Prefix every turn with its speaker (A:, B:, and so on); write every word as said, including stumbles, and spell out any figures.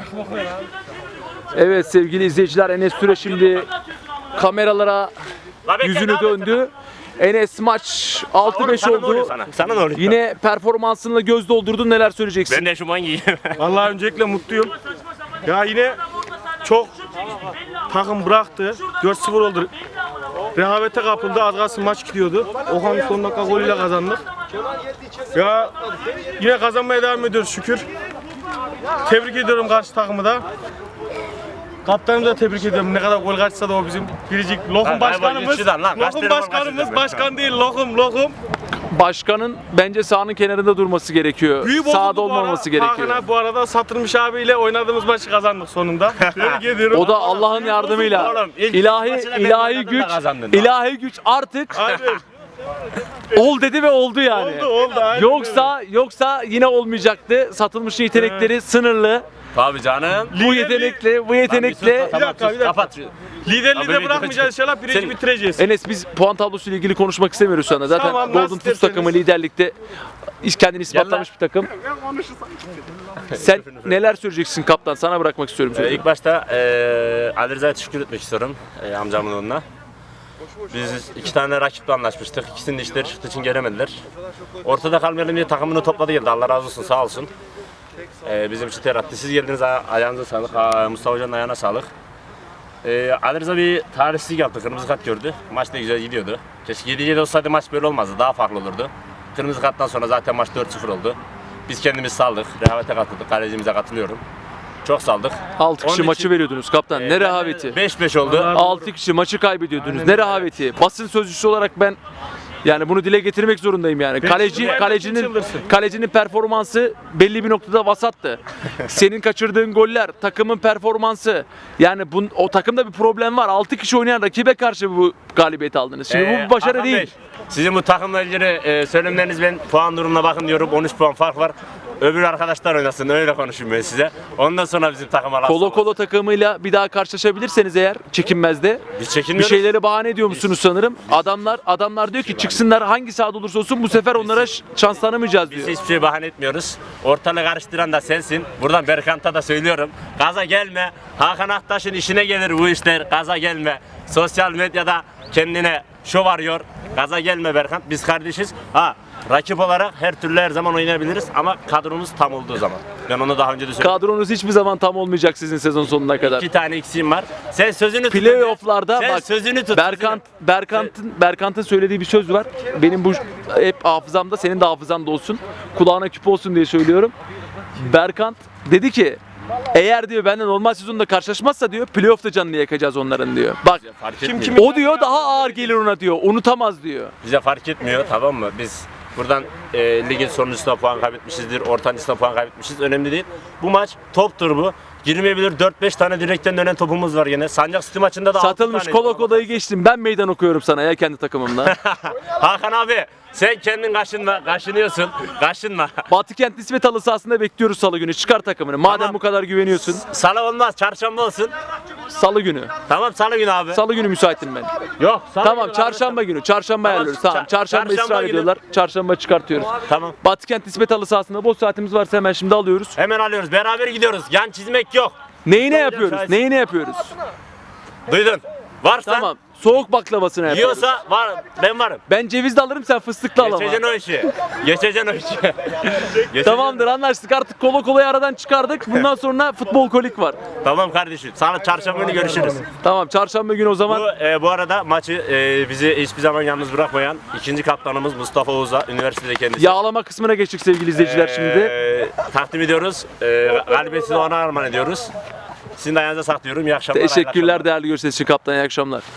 A: Evet sevgili izleyiciler, Enes Süre şimdi kameralara yüzünü döndü. Enes maç altı beş oldu.
B: Sana? Sana ne oluyor?
A: Yine performansınla göz doldurdun. Neler söyleyeceksin?
B: Ben de eşofman giyeyim.
C: Vallahi öncelikle mutluyum. Ya yine çok takım bıraktı. dört sıfır oldu. Rehavete kapıldı. Az kalsın maç gidiyordu. Okan son dakika golüyle kazandık. Ya yine kazanmaya devam ediyoruz şükür. Tebrik ediyorum karşı takımı da. Kaptanımızı da tebrik ediyorum. Ne kadar gol kaçsa da o bizim biricik lokum
B: Lan,
C: başkanımız.
B: üçüden lan, kaç
C: Lokum
B: tane gol
C: başkanımız,
B: kaçıracak
C: başkan değil lokum lokum.
A: Başkanın bence sahanın kenarında durması gerekiyor.
C: Büyük
A: Sahada
C: bozuldu bu ara.
A: olmaması gerekiyor.
C: Hakan abi bu arada Satılmış abiyle oynadığımız maçı kazandık sonunda. Tebrik ediyorum.
A: O da Allah'ın yardımıyla.
B: Oğlum, ilk
A: İlahi
B: maçına ben
A: ilahi
B: oynadım da
A: güç,
B: kazandın.
A: ilahi güç artık
C: Aynen.
A: ol dedi ve oldu yani.
C: Oldu oldu. aynen
A: Yoksa yoksa yine olmayacaktı. Satılmış yetenekleri sınırlı.
B: Tabii canım.
A: Bu yetenekle, bu yetenekle.
C: Bir dakika, bir dakika.
B: Kapat.
C: öyle. Liderliği
B: Abi,
C: de bırakmayacağız inşallah birinci
B: Senin-
C: bitireceğiz.
A: Enes, biz puan tablosuyla ilgili konuşmak istemiyoruz şu anda. Zaten
C: Tamam,
A: Golden
C: nasıl
A: Tuz
C: isterseniz.
A: takımı liderlikte iş kendini ispatlamış bir takım. Sen neler söyleyeceksin kaptan? Sana bırakmak istiyorum
B: Ee,
A: sözü.
B: ilk başta e, Ali Rıza'ya teşekkür etmek istiyorum e, amcamın oğluna. Biz iki tane rakiple anlaşmıştık. İkisinin de işleri çıktığı için gelemediler. Ortada kalmayalım diye takımını topladı geldi. Allah razı olsun, sağ olsun. E, bizim için ter attı. Siz geldiniz, aya- ayağınıza sağlık. Aa, Mustafa Hoca'nın ayağına sağlık. E, Ali Rıza bir talihsizlik yaptı. Kırmızı kart gördü. Maç da güzel gidiyordu. Keşke yedi yedi olsaydı maç böyle olmazdı. Daha farklı olurdu. Kırmızı karttan sonra zaten maç dört sıfır oldu. Biz kendimiz saldık. Rehavete katıldık. Kalecimize katılıyorum. Çok saldık.
A: altı kişi
B: Onun
A: maçı
B: için-
A: veriyordunuz kaptan. Ne rehaveti.
B: beş beş oldu.
A: altı kişi maçı kaybediyordunuz. Ne rehaveti. Basın sözcüsü olarak ben yani bunu dile getirmek zorundayım yani. Kaleci
C: çıldırdım.
A: kalecinin
C: Çıldırsın.
A: kalecinin performansı belli bir noktada vasattı. Senin kaçırdığın goller, takımın performansı. Yani bu, o takımda bir problem var. altı kişi oynayan rakibe karşı bu galibiyeti aldınız. Şimdi bu
B: Ee,
A: bir başarı
B: Hakan
A: değil.
B: Bey, sizin bu takımla ilgili e, söylemleriniz, ben puan durumuna bakın diyorum. on üç puan fark var. Öbür arkadaşlar oynasın, öyle konuşayım ben size. Ondan sonra bizim takıma laf
A: Kolo
B: sokmasın.
A: Kolo takımıyla bir daha karşılaşabilirseniz eğer çekinmezde
B: Biz
A: bir
B: çekinmiyoruz.
A: şeyleri bahane ediyor musunuz sanırım. Adamlar adamlar diyor ki çıksınlar hangi sahada olursa olsun bu sefer onlara ş- şans tanımayacağız
B: Biz
A: diyor.
B: hiçbir şey bahane etmiyoruz. Ortalığı karıştıran da sensin. Buradan Berkant'a da söylüyorum. Gaza gelme. Hakan Aktaş'ın işine gelir bu işler. Gaza gelme. Sosyal medyada kendine şov arıyor. Gaza gelme Berkant. Biz kardeşiz. Ha, rakip olarak her türlü her zaman oynayabiliriz ama kadromuz tam olduğu zaman. Ben onu daha önce de söyledim.
A: Kadronuz hiçbir zaman tam olmayacak sizin sezon sonuna kadar.
B: İki tane eksiğim var. Sen sözünü tut.
A: Playoff'larda
B: Sen
A: bak
B: sözünü tut.
A: Berkant Berkant'ın Berkant'ın söylediği bir söz var. Benim bu hep hafızamda, senin de hafızanda olsun. Kulağına küpe olsun diye söylüyorum. Berkant dedi ki eğer diyor benden normal sezonda karşılaşmazsa diyor playoff'ta canını yakacağız onların diyor. Bak
B: Fark
C: Kim
B: etmiyor.
C: kimi-
A: o diyor daha ağır gelir ona diyor. Unutamaz diyor.
B: Bize fark etmiyor, tamam mı? Biz buradan e, ligin sonuncusunda puan kaybetmişizdir, ortancısında puan kaybetmişiz. Önemli değil. Bu maç toptur bu. Girmeyebilir, dört beş tane direkten dönen topumuz var yine. Sancak City maçında da altı
A: Satılmış
B: tane.
A: Kolo Kolo'yu geçtim. Ben meydan okuyorum sana ya kendi takımımla.
B: Hakan abi, sen kendin kaşınma, kaşınıyorsun. Kaşınma.
A: Batıkent nispet halı sahasında bekliyoruz salı günü. Çıkar takımını. Madem
B: Tamam.
A: bu kadar güveniyorsun.
B: Salı olmaz, çarşamba olsun.
A: Salı günü.
B: Tamam, salı günü abi.
A: Salı günü müsaitim ben.
B: Yok, salı
A: Tamam
B: günü
A: çarşamba günü. Çarşamba
B: Tamam,
A: ayarlıyoruz. Tamam.
B: ça-
A: Çarşamba
B: çarşamba
A: ısrar
B: günü.
A: ediyorlar. Çarşamba çıkartıyoruz.
B: Tamam.
A: Batıkent nispet halı sahasında boş saatimiz varsa hemen şimdi alıyoruz.
B: Hemen alıyoruz, beraber gidiyoruz. Yan çizmek yok.
A: Neyine yapıyoruz?
B: şahit.
A: Neyine yapıyoruz?
B: Duydun. Varsa,
A: Tamam. Soğuk baklavasını yapıyoruz.
B: yiyorsa var, ben varım.
A: Ben cevizli alırım, sen fıstıklı al ama.
B: Geçeceksin o işi. Geçeceksin o işi. Geçeceksin.
A: Tamamdır, anlaştık. Artık Kolo Kolo'yu aradan çıkardık. Bundan sonra futbol kolik var.
B: Tamam kardeşim. Salı çarşamba günü görüşürüz.
A: Tamam, çarşamba günü o zaman.
B: Bu, e, bu arada maçı e, bizi hiçbir zaman yalnız bırakmayan ikinci kaptanımız Mustafa Oğuz'a, üniversitede kendisi.
A: Yağlama kısmına geçtik sevgili izleyiciler şimdi.
B: E, takdim ediyoruz. E, galibiyeti de ona armağan ediyoruz. Sizin de ayağınıza saklıyorum. İyi akşamlar. hayırlı
A: Teşekkürler
B: akşamlar.
A: değerli görüşler için kaptan. İyi akşamlar.